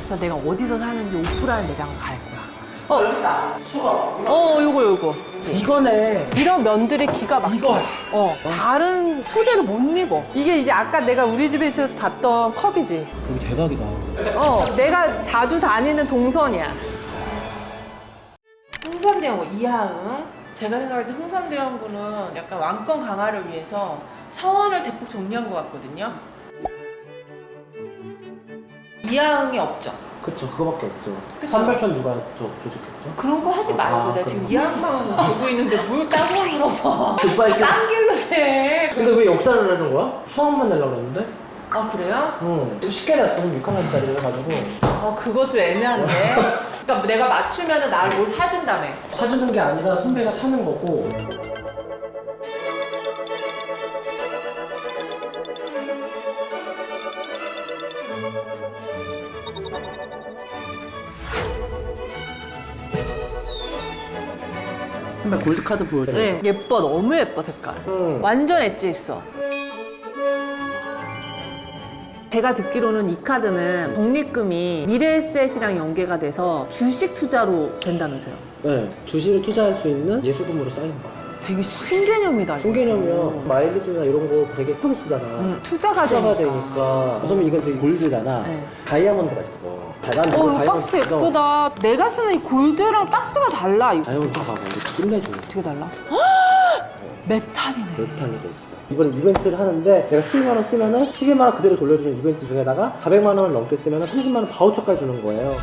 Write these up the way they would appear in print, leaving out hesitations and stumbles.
그래서 내가 어디서 사는지 오프라인 매장을 갈 거야. 여기다 수거. 요거. 이거네. 이런 면들이 기가 막혀. 이거. 다른 소재를 못 입어. 이게 이제 아까 내가 우리 집에서 봤던 컵이지. 여기 대박이다. 내가 자주 다니는 동선이야. 흥선대원구 이하응. 제가 생각할 때 흥선대원구는 약간 왕권 강화를 위해서 서원을 대폭 정리한 것 같거든요. 이하응이 없죠. 그쵸, 그거밖에 없죠. 그쵸? 삼발천 누가 조직했죠? 그런 거 하지 말고 내가 지금 이하응만 보고 있는데 뭘 따로 물어봐. 급발진. 딴 길로 세. 근데 왜 역사를 하는 거야? 수학만 내려고 그랬는데? 아 그래요? 응. 좀 쉽게 냈어. 6학년짜리 해가지고. 그것도 애매한데. 그러니까 내가 맞추면은 나를 뭘 사준다며. 사주는 게 아니라 선배가 사는 거고. 선배 골드카드 보여줘. 네. 예뻐, 너무 예뻐 색깔. 완전 엣지 있어. 제가 듣기로는 이 카드는 적립금이 미래에셋이랑 연계가 돼서 주식 투자로 된다면서요. 네. 주식을 투자할 수 있는 예수금으로 쌓이는 거야. 되게 신개념이다. 이거. 신개념이요. 마일리지나 이런 거 되게 예쁘게 쓰잖아. 투자가 되니까. 우선 이건 되게 골드잖아. 네. 다이아몬드가 있어. 난 이거 이거 다이아몬드 박스 예쁘다. 내가 쓰는 이 골드랑 박스가 달라. 이거 다이아몬드 봐봐. 이거 끝내줘. 어떻게 달라? 메탈이네. 메탄이 돼 있어. 이번에 이벤트를 하는데 내가 12만 원 쓰면은 12만 원 그대로 돌려주는 이벤트 중에다가 400만 원을 넘게 쓰면은 30만 원 바우처까지 주는 거예요.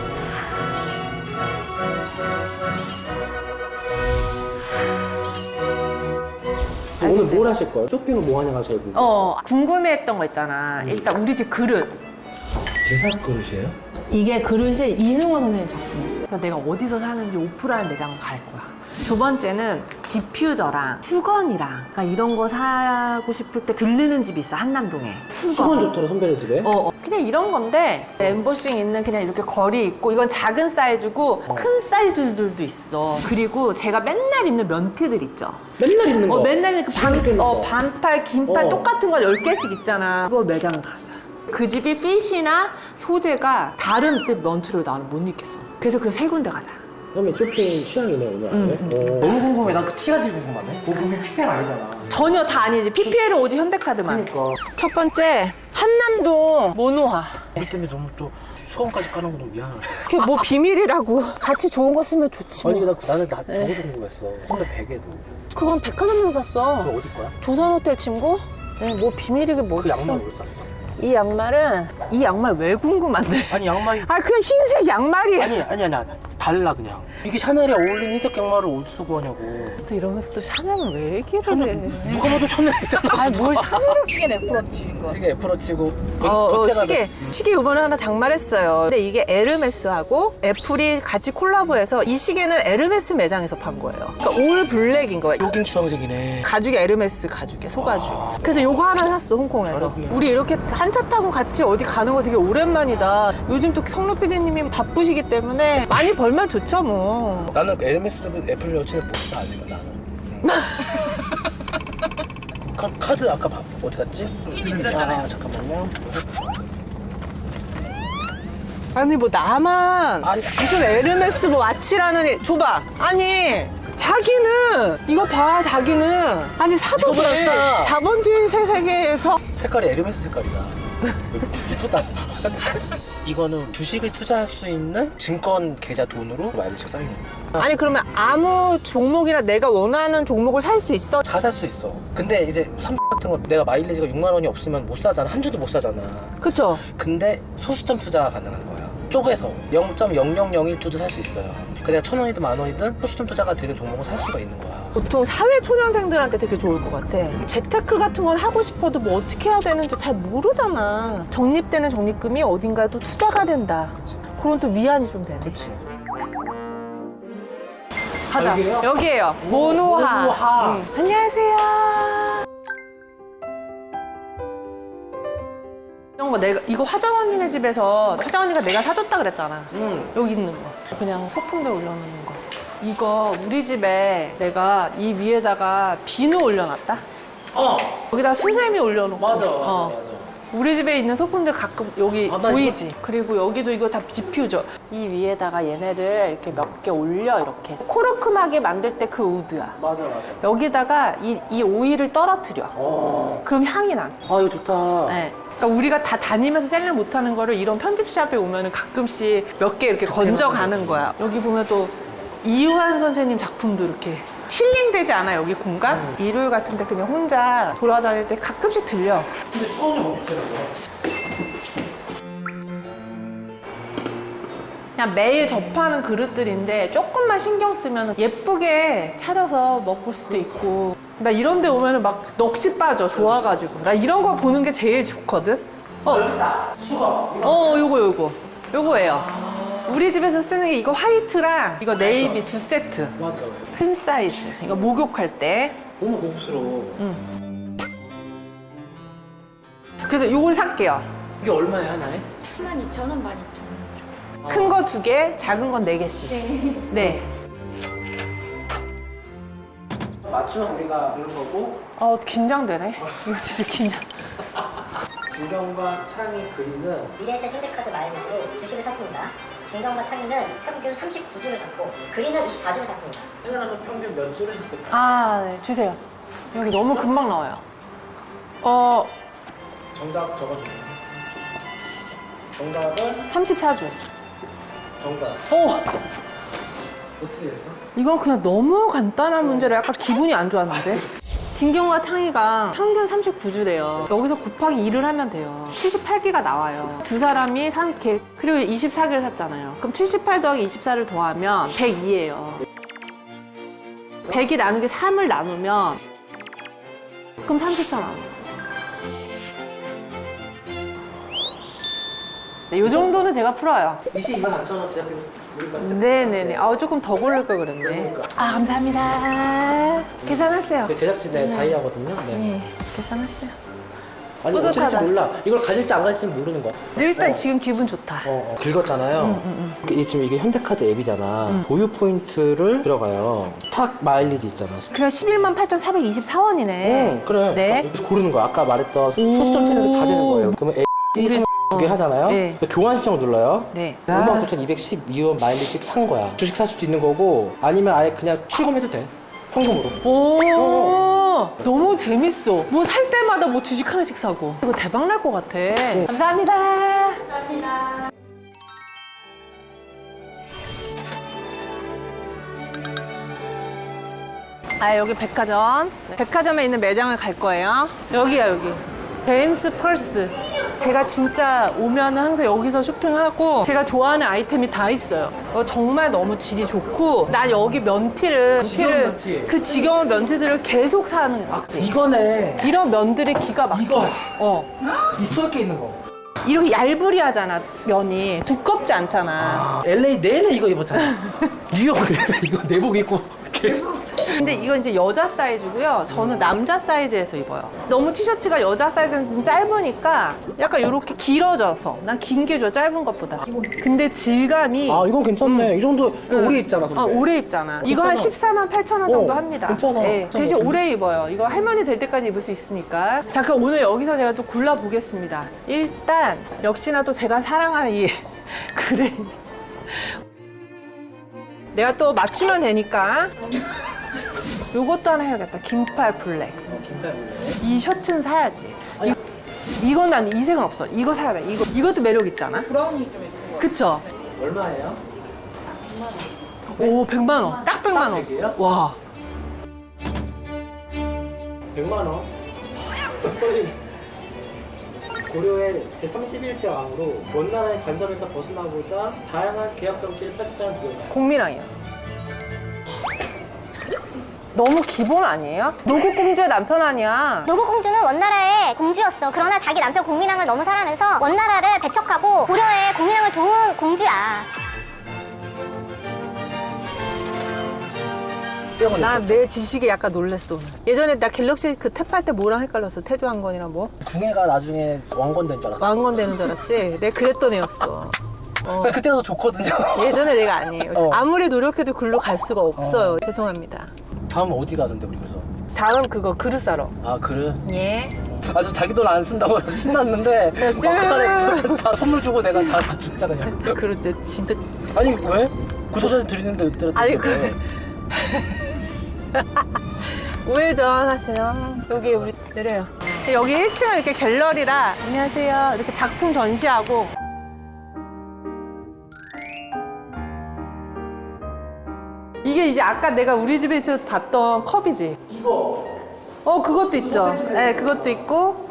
오늘 알겠어요. 뭘 하실 거예요? 쇼핑은 뭐 하냐가 제일 궁금해요. 궁금해했던 거 있잖아. 일단 우리 집 그릇. 제사 그릇이에요? 이게 그릇이 이능호 선생님 작품이에요. 그래서 내가 어디서 사는지 오프라인 매장을 갈 거야. 두 번째는 디퓨저랑 수건이랑 그러니까 이런 거 사고 싶을 때 들르는 집이 있어, 한남동에. 수건 좋더라 선배네 집에. 그냥 이런 건데 엠보싱 있는 그냥 이렇게 걸이 있고 이건 작은 사이즈고 큰 사이즈들도 있어. 그리고 제가 맨날 입는 면티들 있죠. 맨날 입는 거. 맨날 이렇게 지겨죽겠는 거. 반팔, 긴팔 똑같은 거 10개씩 있잖아. 그걸 매장을 가자. 그 집이 핏이나 소재가 다른 때 면티를 나는 못 입겠어. 그래서 그 세 군데 가자. 선배 쇼핑 취향이네 오늘 안에. 너무 궁금해. 난 그 티가 제일 궁금하네. 보금이 PPL 아니잖아. 전혀 다 아니지. PPL은 오직 현대카드만. 그러니까. 첫 번째 한남동 모노화. 우리 때문에 너무 또 수건까지 까는 거 너무 미안하다. 그게 뭐 비밀이라고. 같이 좋은 거 쓰면 좋지 뭐. 아니 나는 저거 궁금했어. 선배 베개도. 그건 백화점에서 샀어. 그거 어디 거야? 조선호텔 친구? 뭐 비밀이게 뭐 그 있어. 양말 왜 샀어? 이 양말 왜 궁금한데? 아니 양말이 그냥 흰색 양말이야. 아니 달라 그냥. 이게 샤넬에 어울리는 흰색 양말을 어디서 구하냐고. 또 이러면서 또 샤넬은 왜 얘기를 해? 누가 봐도 샤넬이잖아. 뭘 샤넬을. 시계 애플워치인 거. 이게 애플워치고 시계 이번에 하나 장만했어요. 근데 이게 에르메스하고 애플이 같이 콜라보해서 이 시계는 에르메스 매장에서 판 거예요. 그러니까 올 블랙인 거예요. 요긴 주황색이네. 가죽이 에르메스 가죽이야, 소가죽. 그래서 요거 하나 샀어, 홍콩에서. 잘했네. 우리 이렇게 한 차 타고 같이 어디 가는 거 되게 오랜만이다. 요즘 또 성로 PD님이 바쁘시기 때문에 많이 벌면 좋죠, 뭐. 나는 에르메스 애플워치를 못 사 아직은 나는. 카드 아까 어디 갔지? 드렸잖아요. 잠깐만요. 아니, 뭐 나만 아니. 무슨 에르메스 뭐 와치라는 줘봐. 아니. 자기는 이거 봐, 자기는 아니 사도 이거보다 돼. 싸. 자본주의 세계에서 색깔이 에르메스 색깔이다. 이쁘다. 이거는 주식을 투자할 수 있는 증권 계좌 돈으로 마일리지가 쌓이는 거야. 아니 그러면 아무 종목이나 내가 원하는 종목을 살 수 있어? 다 살 수 있어. 근데 이제 같은 거 내가 마일리지가 6만 원이 없으면 못 사잖아. 한 주도 못 사잖아. 그쵸? 근데 소수점 투자가 가능한 거야. 쪼개서 0.0001주도 살 수 있어요. 그냥 1,000원이든 10,000원이든 소수점 투자가 되는 종목을 살 수가 있는 거야. 보통 사회초년생들한테 되게 좋을 것 같아. 재테크 같은 걸 하고 싶어도 뭐 어떻게 해야 되는지 잘 모르잖아. 적립되는 적립금이 어딘가에 또 투자가 된다. 그런 또 위안이 좀 되네. 그렇지. 가자. 여기예요? 여기에요. 모노하. 모노하. 안녕하세요. 이런 거 내가 이거 화정 언니네 집에서 화정 언니가 내가 사줬다 그랬잖아. 여기 있는 거. 그냥 소품들 올려놓는 거. 이거 우리 집에 내가 이 위에다가 비누 올려놨다. 여기다 수세미 올려놓고. 맞아. 우리 집에 있는 소품들 가끔 여기 아, 나 보이지? 그리고 여기도 이거 다 디퓨저. 이 위에다가 얘네를 이렇게 몇 개 올려 이렇게. 코르크막에 만들 때 그 우드야. 맞아. 여기다가 이 오일을 떨어뜨려. 그럼 향이 나. 아, 이거 좋다. 네. 그러니까 우리가 다 다니면서 셀링 못하는 거를 이런 편집샵에 오면은 가끔씩 몇 개 이렇게 건져가는 거야. 여기 보면 또 이유한 선생님 작품도 이렇게 힐링되지 않아, 여기 공간? 일요일 같은데 그냥 혼자 돌아다닐 때 가끔씩 들려. 근데 수건이 없더라고요. 그냥 매일 접하는 그릇들인데 조금만 신경 쓰면 예쁘게 차려서 먹을 수도 있고. 나 이런 데 오면은 막 넋이 빠져, 좋아가지고. 나 이런 거 보는 게 제일 좋거든? 여기다 수건. 요거예요. 우리 집에서 쓰는 게 이거 화이트랑 이거 네이비 두 세트. 맞아. 큰 사이즈. 이거 목욕할 때. 너무 고급스러워. 그래서 요걸 살게요. 이게 얼마야, 하나에? 12,000원, 12,000원. 큰 거 2개, 작은 건 4개씩. 네. 맞추면 우리가 이런 거고, 긴장되네. 이거 진짜 긴장. 진경과 창이 그리는 미래에셋 현대카드 마일리지로 주식을 샀습니다. 진경과 창의는 평균 39주를 샀고 그린은 24주를 샀습니다. 사람은 평균 몇 주를 했을까? 네. 주세요. 여기 너무 금방 나와요. 정답 적어주세요. 정답은 34주. 정답. 어떻게 됐어? 이건 그냥 너무 간단한 문제라 약간 기분이 안 좋았는데? 진경과 창희가 평균 39주래요. 여기서 곱하기 2를 하면 돼요. 78개가 나와요. 두 사람이 산 개, 그리고 24개를 샀잖아요. 그럼 78 더하기 24를 더하면 102예요. 100이 나누기 3을 나누면 그럼 34 나와요. 네, 이 정도는 제가 풀어요. 224,000원 제작비 우리가 쓸 네네네. 조금 더 고를 걸 그랬네. 그러니까. 감사합니다. 계산하세요. 그 제작진의 다이아거든요. 네. 네, 계산했어요. 아니 뿌듯하다. 어쩔지 몰라. 이걸 가질지 안 가질지 모르는 거야. 근데 일단 지금 기분 좋다. 긁었잖아요. 지금 이게 현대카드 앱이잖아. 보유 포인트를 들어가요. 스탁 마일리지 있잖아. 그냥 118,424원이네. 그래. 네. 여기서 고르는 거야. 아까 말했던 소수점 테너가 다 되는 거예요. 그러면 우리 두 개 하잖아요. 네. 교환 신청 눌러요. 네. 59,212원 마일리지 산 거야. 주식 살 수도 있는 거고 아니면 아예 그냥 출금해도 돼. 현금으로. 오, 너무 재밌어. 뭐 살 때마다 뭐 주식 하나씩 사고. 이거 대박 날 것 같아. 감사합니다. 여기 백화점. 백화점에 있는 매장을 갈 거예요. 여기야, 여기. 제임스 펄스. 제가 진짜 오면은 항상 여기서 쇼핑하고 제가 좋아하는 아이템이 다 있어요. 정말 너무 질이 좋고 난 여기 면티를 면티. 그 지겨운 면티들을 계속 사는 거 같지. 이거네. 이런 면들이 기가 막혀. 이거. 이 게 있는 거. 이렇게 얄부리하잖아, 면이. 두껍지 않잖아. LA 내내 이거 입었잖아. 뉴욕 내내 이거 내복 입고 계속. 근데 이건 이제 여자 사이즈고요. 저는 남자 사이즈에서 입어요. 너무 티셔츠가 여자 사이즈는 좀 짧으니까 약간 이렇게 길어져서 난 긴 게 좋아, 짧은 것보다. 근데 질감이 이건 괜찮네. 이 정도 오래 입잖아. 근데. 오래 입잖아. 이거 한 148,000원 정도 합니다. 괜찮아. 네, 대신 오래 입어요. 이거 할머니 될 때까지 입을 수 있으니까. 자, 그럼 오늘 여기서 제가 또 골라보겠습니다. 일단 역시나 또 제가 사랑하는 이 그레이. 내가 또 맞추면 되니까 요것도 하나 해야겠다. 긴팔 블랙. 긴팔 블랙. 이 셔츠는 사야지. 이건 난 이 색은 없어. 이거 사야 돼. 이것도 매력 있잖아. 브라운이 좀 있고. 그쵸? 얼마예요? 오, 100만 원. 딱 100만 원. 100이에요? 와. 100만 원. 떨리네. 고려의 제31대 왕으로 먼 나라의 간섭에서 벗어나고자 다양한 계약 정치를 펼치자는 누구냐? 공미랑이요. 너무 기본 아니에요? 노국공주의 남편 아니야. 노고공주는 원나라의 공주였어. 그러나 자기 남편 공민왕을 너무 사랑하면서 원나라를 배척하고 고려의 공민왕을 도운 공주야. 난 내 지식에 약간 놀랬어. 오늘. 예전에 나 갤럭시 그 탭할 때 뭐랑 헷갈렸어? 태조왕건이랑 뭐? 궁예가 나중에 왕건 된 줄 알았어. 왕건 되는 줄 알았지? 내가 그랬던 애였어. 그때도 좋거든요. 예전에 내가 아니에요. 어. 아무리 노력해도 글로 갈 수가 없어요. 죄송합니다. 다음 어디 가던데 우리 그래서? 다음 그거 그릇 사러. 아 그래? 예. 아주 자기 돈 안 쓴다고 아주 신났는데 막판에 구독자 다 선물 주고 내가 다 죽자 그냥. 그렇지 진짜. 아니 왜? 구독자한테 드리는데 왜 아니, 때렸는데? 우회전하세요. 여기 우리 내려요. 여기 1층은 이렇게 갤러리라 안녕하세요. 이렇게 작품 전시하고 이게 이제 아까 내가 우리 집에서 봤던 컵이지. 이거 그것도 있죠. 네, 그것도 있고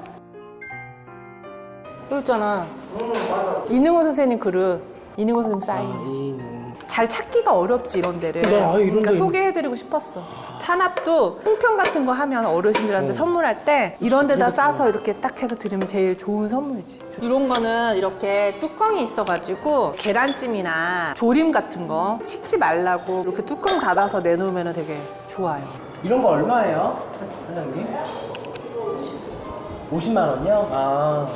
여기 있잖아. 이능호 선생님 그릇. 이능호 선생님 사인. 잘 찾기가 어렵지 이런 데를. 그래, 이런 그러니까 데 소개해드리고 싶었어. 찬압도 풍편 같은 거 하면 어르신들한테 선물할 때 이런 데다 싸서 이렇게 딱 해서 드리면 제일 좋은 선물이지. 이런 거는 이렇게 뚜껑이 있어가지고 계란찜이나 조림 같은 거 식지 말라고 이렇게 뚜껑 닫아서 내놓으면 되게 좋아요. 이런 거 얼마예요, 사장님? 50만 원이요? 아.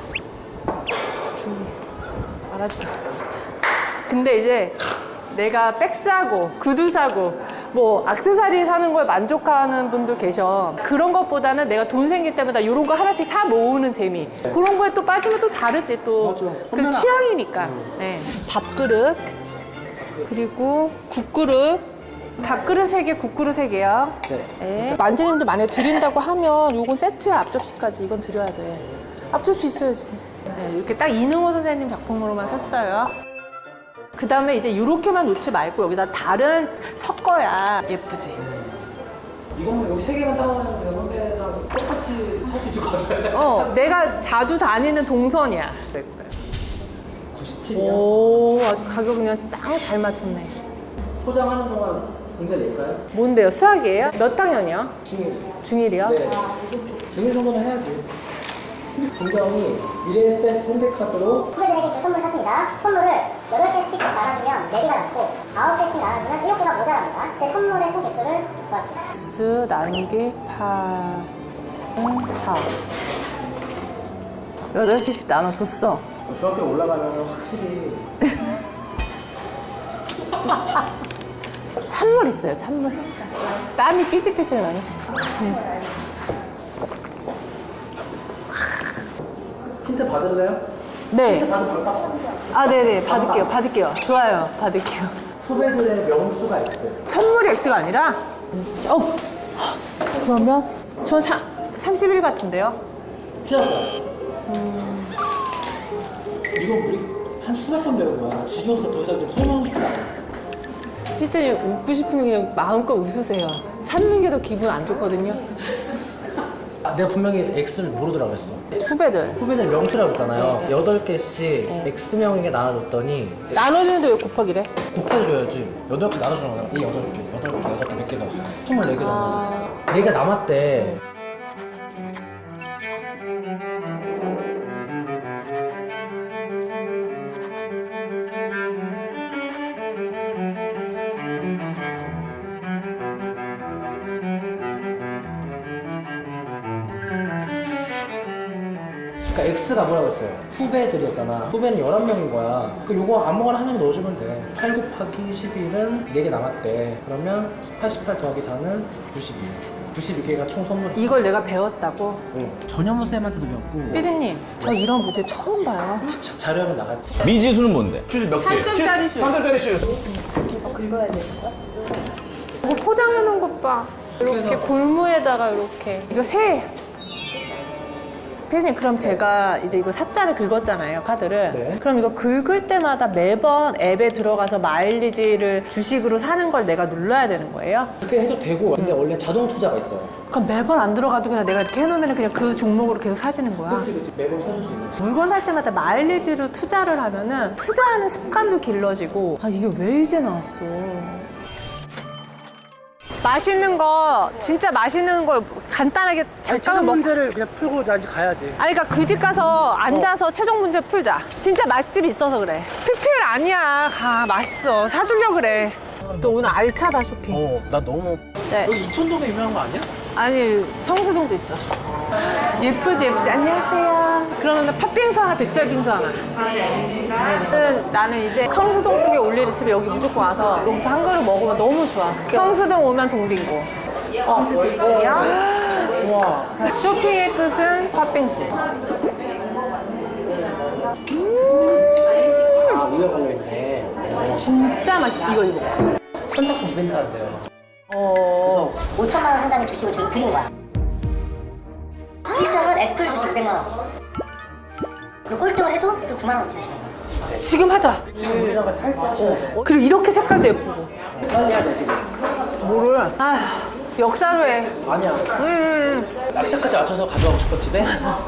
알았죠. 근데 이제 내가 백 사고 구두 사고 뭐 액세서리 사는 거에 만족하는 분도 계셔. 그런 것보다는 내가 돈 생길 때마다 이런 거 하나씩 사 모으는 재미. 그런 거에 또 빠지면 또 다르지 또. 맞아. 그 취향이니까. 네. 밥그릇 그리고 국그릇. 밥그릇 3개, 국그릇 3개요. 네. 네. 만재님도 만약에 드린다고 하면 요거 세트에 앞접시까지 이건 드려야 돼. 앞접시 있어야지. 네, 이렇게 딱 이능호 선생님 작품으로만 샀어요. 그 다음에 이제 이렇게만 놓지 말고 여기다 다른 섞어야 예쁘지. 이거는 여기 3개만 따라하는데 선배랑 똑같이 살 수 있을 것 같아요. 내가 자주 다니는 동선이야. 97이요? 오, 아주 가격 그냥 딱 잘 맞췄네. 포장하는 동안 문제 낼까요? 뭔데요? 수학이에요? 몇 학년이요? 중일. 중1이요? 네. 중일 정도는 해야지. 진경이 미래에셋 홍대카드로 후배들에게 줄 선물 샀습니다. 선물을 8개씩 나눠주면 4개가 남고 9개씩 나눠주면 7개가 모자랍니다. 그때 선물의 총 개수를 구하시오. X 나누기 8, 4. 8개씩 나눠줬어. 중학교 올라가면 확실히 찬물 있어요, 찬물. 땀이 삐질삐질 나네. 힌트 받을래요? 네. 힌트 받으면 바로 딱 아, 네네. 받을게요. 좋아요. 받을게요. 후배들의 명수가 X. 선물이 X가 아니라? 진짜. 그러면 전 31 같은데요? 틀렸어요. 이거 우리 한 수백 번 배운 거야. 지겨워서 더 이상 좀 설명하고 싶다. 실제 웃고 싶으면 그냥 마음껏 웃으세요. 찾는 게 더 기분 안 좋거든요. 내가 분명히 X를 모르더라고 했어. 후배들. 후배들 명수라고 했잖아요. 네. 8개씩 네. X명에게 나눠줬더니 나눠주는데 왜 곱하기래? 곱해줘야지. 8개 나눠주는 거야. 이 8개 몇 개 넣었어. 24개 넣었어. 아. 4개 남았대. 그러니까 X가 뭐라고 했어요? 후배들이었잖아. 후배는 11명인 거야. 그 요거 아무거나 하나만 넣어주면 돼. 8 곱하기 11은 4개 남았대. 그러면 88 더하기 4는 92. 92개가 총 선물. 이걸 내가 배웠다고? 전현무 쌤한테도 배웠고. 피디님, 저 이런 무대 처음 봐요. 자료하면 나갔지. 미지수는 뭔데? 슈즈 몇 개? 3점짜리 슈. 3점짜리 슈즈. 이거 포장해 놓은 것 봐. 이렇게 골무에다가 이렇게. 이거 새. 피디님, 그럼 제가 이제 이거 사자를 긁었잖아요, 카드를. 네. 그럼 이거 긁을 때마다 매번 앱에 들어가서 마일리지를 주식으로 사는 걸 내가 눌러야 되는 거예요? 그렇게 해도 되고. 근데 원래 자동 투자가 있어요. 그럼 매번 안 들어가도 그냥 내가 이렇게 해놓으면 그냥 그 종목으로 계속 사지는 거야? 그렇지. 매번 사줄 수 있는. 물건 살 때마다 마일리지로 투자를 하면은 투자하는 습관도 길러지고 아 이게 왜 이제 나왔어. 맛있는 거 진짜 맛있는 거 간단하게 잠깐만 먹고 문제를 그냥 풀고 나 이제 가야지. 아니 그러니까 그 집 가서 앉아서 최종 문제 풀자. 진짜 맛집이 있어서 그래. PPL 아니야. 가 맛있어. 사주려고 그래. 또 오늘 알차다 쇼핑. 나 너무. 네. 여기 이촌동에 유명한 거 아니야? 아니 성수동도 있어. 예쁘지. 안녕하세요. 그러면 팥빙수 하나, 백설빙수 하나. 나는 이제 성수동 쪽에 올 일 있으면 여기 무조건 와서 여기서 한 그릇 먹으면 너무 좋아. 성수동 오면 동빙고. 우와. 쇼핑의 끝은 팥빙수. 아, 위에 걸려있네. 진짜 맛있어. 이거. 선착순 이벤트 한대요. 5천만 원 상당의 주식을 드린 거야. 1등은 애플 주식 200만 원치. 그리고 꼴등을 해도 또 9만 원치 주는 거야. 지금 하자. 지금 우리나라 찰때 하셔야 돼. 그리고 이렇게 색깔도 예쁘고. 빨리 해야 돼, 지금. 뭐를? 아휴, 역사로 해. 아니야. 약자까지 맞춰서 가져가고 싶어, 집에?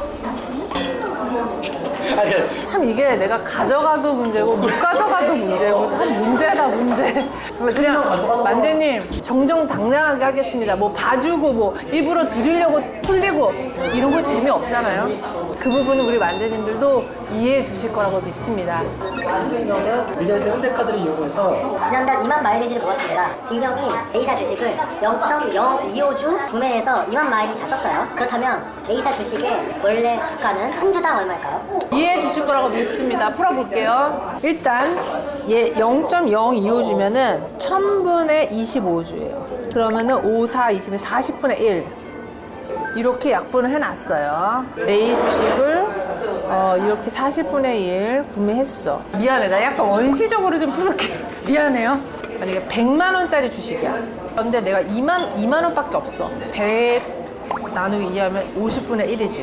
아니, 참 이게 내가 가져가도 문제고 못 가져가도 문제고 참 문제다 문제. 그냥 만재님 정정당당하게 하겠습니다. 뭐 봐주고 뭐 일부러 드리려고 풀리고 이런 거 재미없잖아요. 그 부분은 우리 만재님들도 이해해 주실 거라고 믿습니다. 한국인형은 미래에서 현대카드를 이용해서 지난달 2만 마일리지를 모았습니다. 진경이 A사 주식을 0.025주 구매해서 2만 마일리지 다 썼어요. 그렇다면 A사 주식의 원래 주가는 한 주당 얼마일까요? 이해해 주실 거라고 믿습니다. 풀어볼게요. 일단 얘 0.025 주면은 1000분의 25주예요. 그러면은 5, 4, 20에 40분의 1. 이렇게 약분을 해놨어요. A 주식을 이렇게 40분의 1 구매했어. 미안해. 나 약간 원시적으로 좀 풀을게. 미안해요. 아니, 이게 100만 원짜리 주식이야. 근데 내가 2만 원밖에 없어. 100 나누기 2하면 50분의 1이지.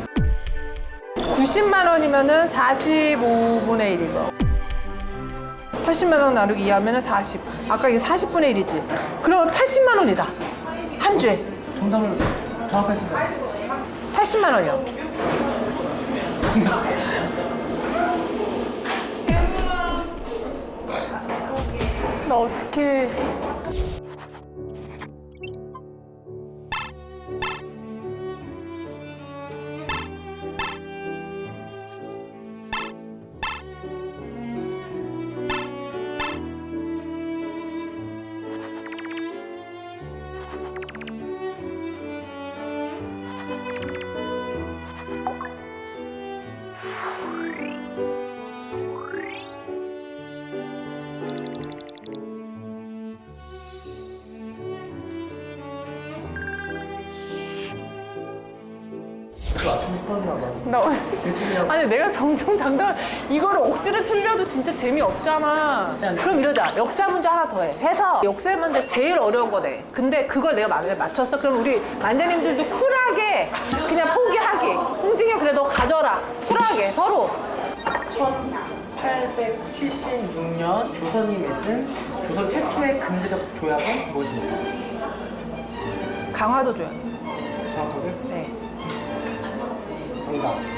90만 원이면은 45분의 1이고. 80만 원 나누기 2하면은 40. 아까 이게 40분의 1이지. 그러면 80만 원이다. 한 주에. 정답을 정확하게 쓰세요. 80만 원이요. 나 어떡해. 아니 내가 정정당당 이거를 억지로 틀려도 진짜 재미없잖아. 그럼 이러자. 역사 문제 하나 더 해. 해서 역사 문제 제일 어려운 거네. 근데 그걸 내가 마음에 맞췄어. 그럼 우리 만재님들도 쿨하게 그냥 포기하기. 홍진이 그래 너 가져라. 쿨하게 서로. 1876년 조선이 맺은 조선 최초의 근대적 조약은 무엇입니까? 강화도줘요. 정확하게? 네. 정답.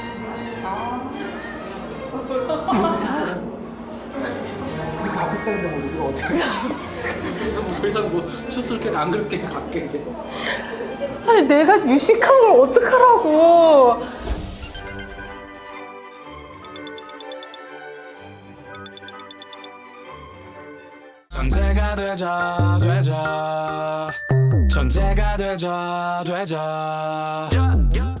진짜? 우리 가고 싶다는데 뭐 우리가 어떻게 더 이상 뭐 추스럽게 안 그렇게 갈게 이제. 아니 내가 유식한 걸 어떡하라고. 전제가 되자 전제가 되자